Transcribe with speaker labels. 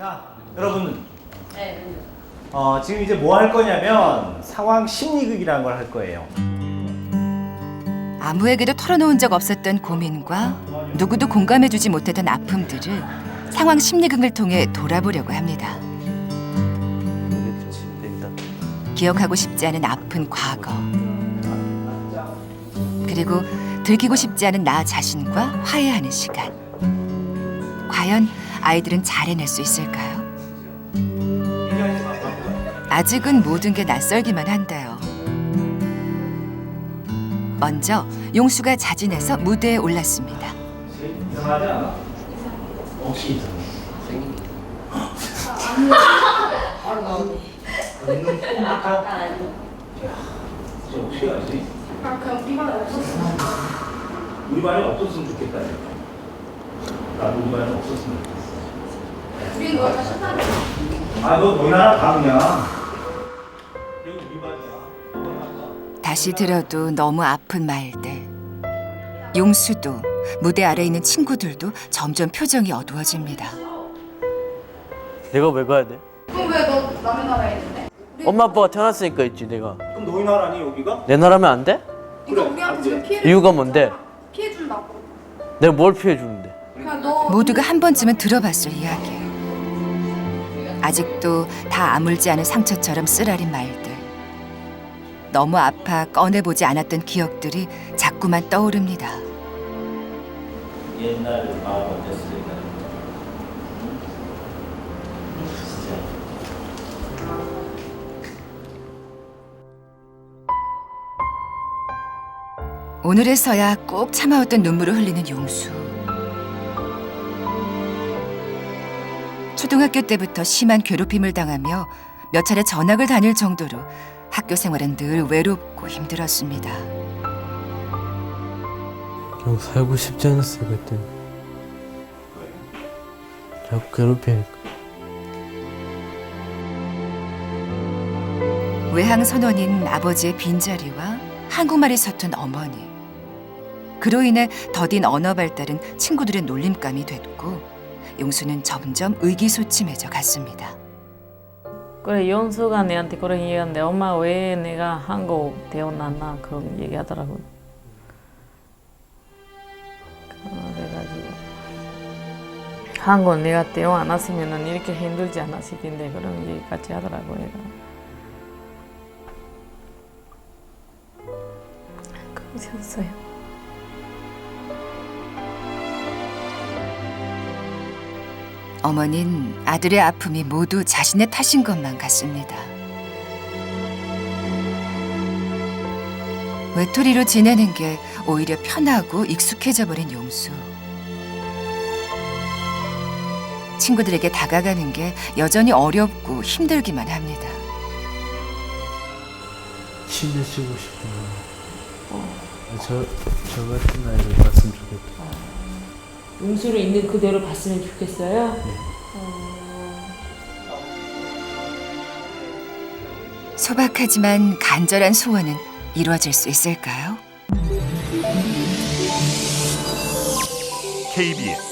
Speaker 1: 자, 여러분.
Speaker 2: 네.
Speaker 1: 지금 이제 뭐 할 거냐면 상황 심리극이라는 걸 할 거예요.
Speaker 3: 아무에게도 털어놓은 적 없었던 고민과 누구도 공감해주지 못했던 아픔들을 상황 심리극을 통해 돌아보려고 합니다. 기억하고 싶지 않은 아픈 과거, 그리고 들키고 싶지 않은 나 자신과 화해하는 시간. 과연 아이들은 잘 해낼 수 있을까요? 아직은 모든 게 낯설기만 한데요. 먼저 용수가 자진해서 무대에 올랐습니다.
Speaker 1: 이상하지 않아? 혹시 이상해? 혹시 알지?
Speaker 2: 그럼 우리 반에 없었어.
Speaker 1: 우리 반에 없었으면 좋겠다. 나도 우리 반에 없었으면 좋겠어.
Speaker 2: 우리 너 다시 한
Speaker 1: 너 너희 나라 가 그냥. 여기 우리 반이야.
Speaker 3: 다시 들어도 너무 아픈 말들. 용수도 무대 아래에 있는 친구들도 점점 표정이 어두워집니다.
Speaker 4: 내가 왜 가야 돼?
Speaker 2: 그럼 왜 너 남의 나라에 있는데?
Speaker 4: 엄마 아빠가 태어났으니까 있지 내가.
Speaker 1: 그럼 너희 나라니 여기가?
Speaker 4: 내 나라면 안 돼?
Speaker 2: 이거
Speaker 1: 그래,
Speaker 2: 우리한테
Speaker 1: 안
Speaker 2: 지금
Speaker 1: 돼.
Speaker 2: 피해를
Speaker 4: 이유가 뭔데?
Speaker 2: 피해 준다고.
Speaker 4: 내가 뭘 피해 주는데?
Speaker 2: 그냥 너
Speaker 3: 모두가 한 번쯤은 들어봤을 이야기. 아직도 다 아물지 않은 상처처럼 쓰라린 말들. 너무 아파 꺼내보지 않았던 기억들이 자꾸만 떠오릅니다.
Speaker 1: 옛날 마음 어땠을까?
Speaker 3: 오늘에서야 꼭 참아왔던 눈물을 흘리는 용수. 초등학교 때부터 심한 괴롭힘을 당하며 몇 차례 전학을 다닐 정도로 학교 생활은 늘 외롭고 힘들었습니다.
Speaker 4: 형 살고 싶지 않았어요 그때. 자꾸 괴롭히니까.
Speaker 3: 외항 선원인 아버지의 빈자리와 한국말이 서툰 어머니. 그로 인해 더딘 언어 발달은 친구들의 놀림감이 됐고 용수는 점점 의기소침해져 갔습니다.
Speaker 5: 그래 용수가 내한테 그런 얘기하는데 엄마 왜 내가 한국 태어났나 그런 얘기하더라고요. 그래가지고 한국 내가 태어났으면 이렇게 힘들지 않았을 텐데 그런 얘기까지 하더라고요. 얘가. 그러셨어요.
Speaker 3: 어머닌 아들의 아픔이 모두 자신의 탓인 것만 같습니다. 외톨이로 지내는 게 오히려 편하고 익숙해져 버린 용수. 친구들에게 다가가는 게 여전히 어렵고 힘들기만 합니다.
Speaker 4: 침대 쉬고 싶어요. 저 같은 아이를 봤으면 좋겠다.
Speaker 5: 용수를 있는 그대로 봤으면 좋겠어요.
Speaker 3: 소박하지만 간절한 소원은 이루어질 수 있을까요?
Speaker 6: KBS